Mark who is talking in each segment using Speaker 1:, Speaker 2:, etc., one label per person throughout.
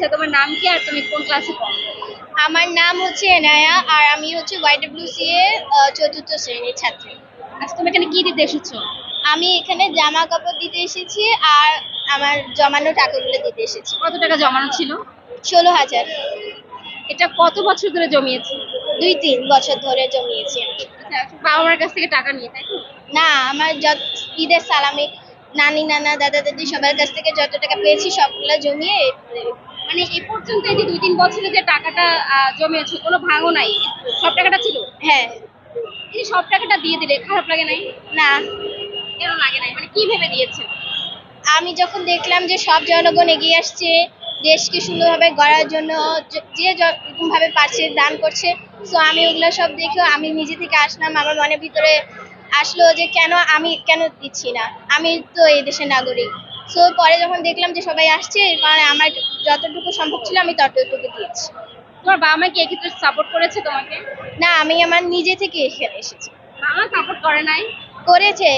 Speaker 1: আচ্ছা, তোমার নাম কি আর তুমি কোন ক্লাসে পড়ো?
Speaker 2: আমার নাম হচ্ছে এনায়া আর আমি হচ্ছে YWCA চতুর্থ শ্রেণীর ছাত্রী।
Speaker 1: আচ্ছা, তুমি এখানে কি দিতে এসেছো?
Speaker 2: আমি এখানে জামা কাপড় দিতে এসেছি আর আমার জমানো টাকাগুলো দিতে এসেছি।
Speaker 1: কত টাকা জমানো ছিল?
Speaker 2: 16,000।
Speaker 1: এটা কত বছর ধরে জমিয়েছো?
Speaker 2: 2-3 বছর ধরে জমিয়েছি আমি।
Speaker 1: আচ্ছা, বাবা মার কাছ থেকে টাকা নিয়ে, তাই তো?
Speaker 2: না, আমার ঈদের সালামি নানি নানা দাদা দাদি সবার কাছ থেকে যত টাকা পেয়েছি সবগুলো জমিয়ে
Speaker 1: মানে এ পর্যন্ত এই যে 2-3 বছরে যে টাকাটা জমিয়েছো, কোনো ভাঙও নাই, সব টাকাটা ছিল?
Speaker 2: হ্যাঁ।
Speaker 1: এই যে সব টাকাটা দিয়ে দিলে খারাপ লাগে নাই?
Speaker 2: না,
Speaker 1: কেন লাগে নাই, মানে কি ভেবে দিয়েছে?
Speaker 2: আমি যখন দেখলাম যে সব জনগণ এগিয়ে আসছে দেশকে সুন্দরভাবে গড়ার জন্য, যে যেরকম ভাবে পারছে দান করছে, সো আমি ওগুলো সব দেখে আমি নিজে থেকে আসলাম, আমার মনের ভিতরে আসলো যে আমি কেন দিচ্ছি না, আমি তো এই দেশের নাগরিক। সো পরে যখন দেখলাম যে সবাই আসছে, কারণ আমার যতটুকু সম্ভব ছিল আমি ততটুকু দিয়েছি।
Speaker 1: তোমার বাবা মা কি এক্ষেত্রে সাপোর্ট করেছে তোমাকে?
Speaker 2: না, আমি আমার নিজে থেকে এখানে এসেছি।
Speaker 1: বাবা সাপোর্ট করে নাই?
Speaker 2: করেছে,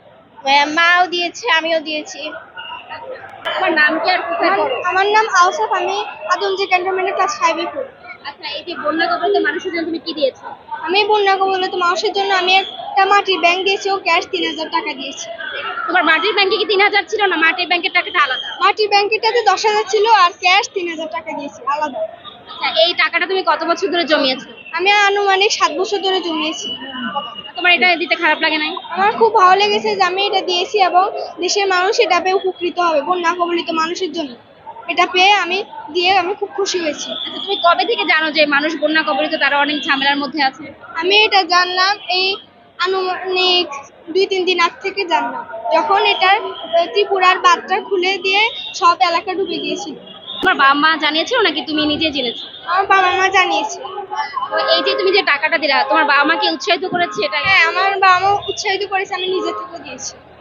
Speaker 2: মাও দিয়েছে আমিও দিয়েছি।
Speaker 1: তোমার নাম কি আর কোথায় পড়ো?
Speaker 2: আমার নাম আওসাফ, আমি আদমজি ক্যান্টনমেন্টের ক্লাস 5 এ পড়ি।
Speaker 1: আচ্ছা, এই যে বন্যা কবলিত মানুষের জন্য তুমি কি দিয়েছো?
Speaker 2: আমি বন্যা কবলিত মানুষের জন্য আমি একটা মাটির ব্যাংক দিয়েছি ও ক্যাশ 3,000 টাকা দিয়েছি।
Speaker 1: তোমার মাটির ব্যাংকে কি 3,000 ছিল, না মাটির ব্যাংকের টাকাটা আলাদা?
Speaker 2: মাটির ব্যাংকেটাতে 10,000 ছিল আর ক্যাশ 3,000 টাকা দিয়েছি আলাদা।
Speaker 1: আচ্ছা, এই টাকাটা তুমি কত বছর ধরে জমিয়েছো?
Speaker 2: আমি আনুমানিক 7 বছর ধরে জমিয়েছি।
Speaker 1: তোমার এটা দিতে খারাপ লাগে নাই?
Speaker 2: আমার খুব ভালো লেগেছে যে আমি এটা দিয়েছি এবং দেশের মানুষ এটা পেয়ে উপকৃত হবে, বন্যা কবলিত মানুষের জন্য এটা পেয়ে আমি খুব খুশি হয়েছি।
Speaker 1: আচ্ছা, তুমি কবে থেকে জানো যে মানুষ বন্যা কবলিত, তারা অনেক ঝামেলার মধ্যে আছে?
Speaker 2: আমি এটা জানলাম এই আনুমানিক 2-3 দিন আগ থেকে জানলাম, যখন এটার ত্রিপুরার বাঁধটা খুলে দিয়ে সব এলাকা ডুবে গিয়েছিল।
Speaker 1: তোমার বাবা মা জানিয়েছিল নাকি তুমি নিজে জেনেছো?
Speaker 2: আমার বাবা মা জানিয়েছে।
Speaker 1: তো এই যে তুমি যে টাকাটা দিলা, তোমার বাবা মা কি উৎসাহিত করেছে এটা?
Speaker 2: হ্যাঁ, আমার বাবা মা উৎসাহিত করেছে, আমি নিজে থেকে দিয়েছি।